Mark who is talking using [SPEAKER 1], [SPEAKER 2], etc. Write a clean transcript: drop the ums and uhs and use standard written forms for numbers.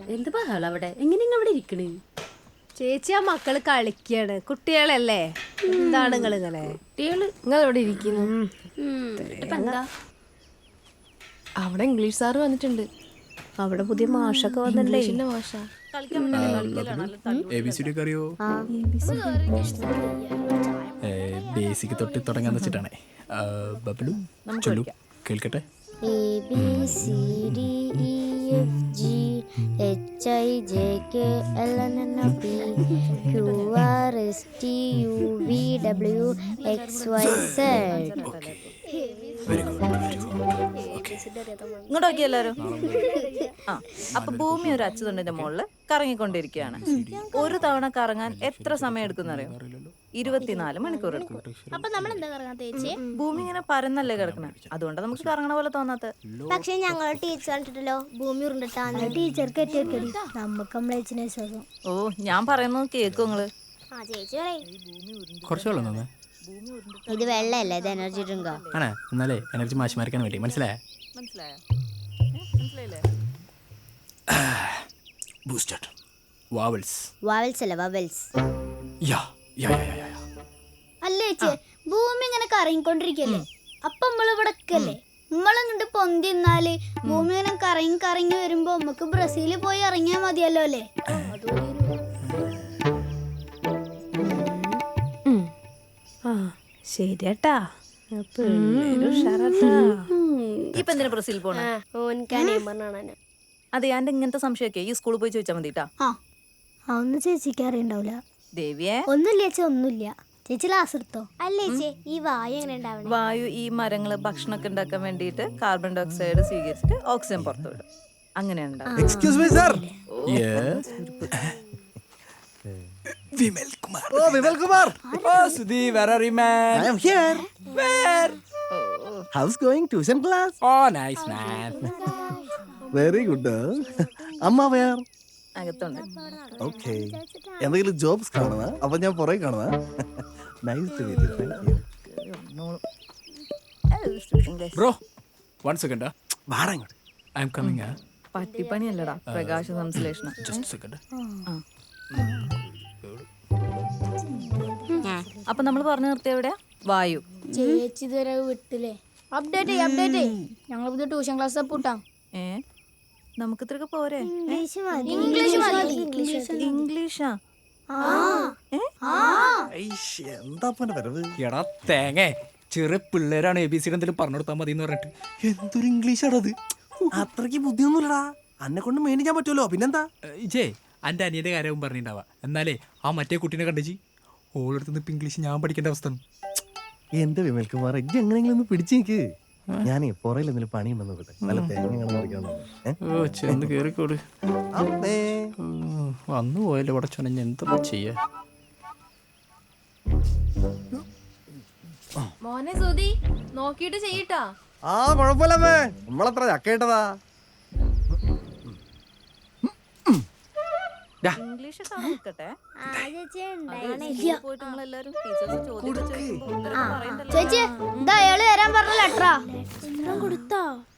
[SPEAKER 1] എന്ത് ബഹളം അവിടെ? എങ്ങനെ അവിടെ ഇരിക്കണേ?
[SPEAKER 2] ചേച്ചി ആ മക്കള് കളിക്കാണ്, കുട്ടികളല്ലേ. എന്താണ് നിങ്ങൾ ഇങ്ങനെ?
[SPEAKER 3] നിങ്ങൾ ഇവിടെ ഇരിക്കുന്നു. അവിടെ ഇംഗ്ലീഷ് സാറ് വന്നിട്ടുണ്ട്.
[SPEAKER 2] അവിടെ പുതിയ മാഷൊക്കെ വന്നിട്ടുണ്ടേ.
[SPEAKER 3] ഇംഗ്ലീഷിന്റെ മാഷ.
[SPEAKER 4] ബേസിക് തൊട്ട് തുടങ്ങാന്ന് വെച്ചിട്ടാണ്. ബബ്ലു ചൊല്ലു കേൾക്കട്ടെ.
[SPEAKER 5] ഇങ്ങോട്ട് നോക്കി എല്ലാരും. ആ അപ്പൊ ഭൂമി ഒരു അച്ചുതണ്ടിന്റെ മുകളില് കറങ്ങിക്കൊണ്ടിരിക്കുകയാണ്. ഒരു തവണ കറങ്ങാൻ എത്ര സമയം എടുക്കുന്നറിയോ? 24 മണിക്കൂർ എടുക്കും. ഭൂമി ഇങ്ങനെ പരന്നല്ലേ കിടക്കണേ, അതുകൊണ്ട് നമുക്ക് കറങ്ങണ പോലെ തോന്നാത്ത.
[SPEAKER 6] പക്ഷെ ഞങ്ങൾ ടീച്ചർ കണ്ടിട്ടല്ലോ ഭൂമി ഉരുണ്ടിട്ടാണ് ടീച്ചർക്ക് എത്തിയൊക്കെ നമുക്ക് നമ്മളെ വിശ്വാസം.
[SPEAKER 5] ഓ ഞാൻ പറയുന്നത് കേക്കും നിങ്ങള്.
[SPEAKER 4] കുറച്ച് വെള്ളം തന്നെ.
[SPEAKER 6] ഇത് വെള്ളല്ലേ, ഇത് എനർജി ഡ്രിങ്കോ
[SPEAKER 4] ആണേ? എന്നാലേ എനർജി മാഷിമാർക്കാൻ വേണ്ടി. മനസ്സിലായോ?
[SPEAKER 5] മനസ്സിലായില്ലേ?
[SPEAKER 4] Boosted vowels.
[SPEAKER 6] വാവൽസ് അല്ല vowels.
[SPEAKER 4] Yeah yeah yeah yeah.
[SPEAKER 6] അല്ലേ ചേച്ചി, ഭൂമി ഇങ്ങനെ കറങ്ങിക്കൊണ്ടിരിക്കല്ലേ, അപ്പൊ നമ്മളിവിടെ നമ്മളിങ്ങോട്ട് പൊന്തി നിന്നാല് ഭൂമി ഇങ്ങനെ കറങ്ങി കറങ്ങി വരുമ്പോ നമുക്ക് ബ്രസീലിൽ പോയി ഇറങ്ങിയാ മതിയല്ലോ അല്ലേ?
[SPEAKER 2] ശരിയാട്ടാ, ഉഷാറാട്ടാ.
[SPEAKER 5] ഇപ്പൊ എന്തിനാ ബ്രസീൽ പോണേ? അതെ, ഞാൻ ഇങ്ങനത്തെ സംശയമൊക്കെ ഈ സ്കൂളിൽ പോയി ചോദിച്ചാൽ മതിട്ടാ.
[SPEAKER 6] ഒന്നും ചേച്ചിക്ക് അറിയണ്ടാവില്ല.
[SPEAKER 5] ദേവിയെ
[SPEAKER 6] ഒന്നുമില്ല ചേച്ചി, ഒന്നുമില്ല. ചേച്ചി ക്ലാസ് എടുത്തോ. അല്ലേ ചേച്ചി, ഈ വായു എങ്ങനെ ഉണ്ടാവണം?
[SPEAKER 5] വായു ഈ മരങ്ങള് ഭക്ഷണമൊക്കെ ഉണ്ടാക്കാൻ വേണ്ടിയിട്ട് കാർബൺ ഡൈ ഓക്സൈഡ് സ്വീകരിച്ചിട്ട് ഓക്സിജൻ പുറത്തു വിടും. അങ്ങനെ ഉണ്ടാവും.
[SPEAKER 7] Excuse me, sir.
[SPEAKER 4] Yes. Vimal Kumar.
[SPEAKER 7] Oh, Vimal Kumar.
[SPEAKER 4] Oh, Sudhi, where are you, man?
[SPEAKER 7] I am here.
[SPEAKER 4] Where?
[SPEAKER 7] How's going tuition class?
[SPEAKER 4] Oh, nice, man.
[SPEAKER 7] Very good. Amma where?
[SPEAKER 5] അകത്തുണ്ട്.
[SPEAKER 7] Okay. എന്തെങ്കിലും jobs കാണുന്ന? അപ്പൊ ഞാൻ പുറകെ കാണുന്ന. Nice to meet you. Thank you.
[SPEAKER 4] Bro, 1 second.
[SPEAKER 7] വാടാ ഇങ്ങോട്ട്.
[SPEAKER 4] I am coming.
[SPEAKER 5] പട്ടിപ്പണിയല്ലടാ, പ്രകാശ സംശ്ലേഷണം.
[SPEAKER 4] Just a second.
[SPEAKER 5] അപ്പൊ നമ്മൾ പറഞ്ഞു നിർത്തിയ എവിടെയാ? വായു.
[SPEAKER 6] ചേച്ചി ഇതുവരെ വിട്ടില്ലേ? അപ്ഡേറ്റ് ഞങ്ങൾ പുതിയ ട്യൂഷൻ ക്ലാസ് പൂട്ടാം.
[SPEAKER 5] നമുക്ക് ഇത്രയൊക്കെ പോരെ?
[SPEAKER 6] ഇംഗ്ലീഷാ?
[SPEAKER 7] എന്താ വരവ്?
[SPEAKER 4] എടാ തേങ്ങേ, ചെറിയ പിള്ളേരാണ് ABCD എന്തെങ്കിലും പറഞ്ഞു കൊടുത്താൽ മതി എന്ന് പറഞ്ഞിട്ട്
[SPEAKER 7] എന്തൊരു ഇംഗ്ലീഷാണത്? അത്രയ്ക്ക് ബുദ്ധിയൊന്നുമില്ലടാ. അന്നെ കൊണ്ട് മേടിക്കാൻ പറ്റുമല്ലോ, പിന്നെന്താ?
[SPEAKER 4] ഇജേ എൻ്റെ അനിയൻ്റെ കാര്യവും പറഞ്ഞിട്ടുണ്ടാവാ. എന്നാലേ ആ മറ്റേ കുട്ടീനെ കണ്ടിച്ച് ഓളെടുത്തുനിന്ന് ഇപ്പം ഇംഗ്ലീഷ് ഞാൻ പഠിക്കേണ്ട അവസ്ഥ.
[SPEAKER 7] എന്റെ വിമൽ കുമാർ, ഇജ്ജ് എങ്ങനെയെങ്കിലും ഒന്ന് പിടിച്ചു നിൽക്ക്. ഞാനേ പുറയിൽ എന്തെങ്കിലും പണിയുണ്ടെന്ന് നോക്കട്ടെ. നല്ല തേങ്ങ
[SPEAKER 4] ചെന്ന് കേറിക്കോട്. വന്നു പോയല്ലോ ഇവിടെ ചൊനഞ്ഞ് എന്താ ചെയ്യാ?
[SPEAKER 3] മോനെ സുധി, നോക്കിയിട്ട് ചെയ്യട്ടാ.
[SPEAKER 7] ആ കുഴപ്പമില്ലമ്മേ, നമ്മളത്ര ചക്കേട്ടതാ.
[SPEAKER 5] ഇംഗ്ലീഷ് നിൽക്കട്ടെ. പോയിട്ട് നിങ്ങളെല്ലാരും
[SPEAKER 6] ചേച്ചി, ഇതാ അയാള് തരാൻ പറഞ്ഞ ലെറ്ററാ. കൊടുത്തോ?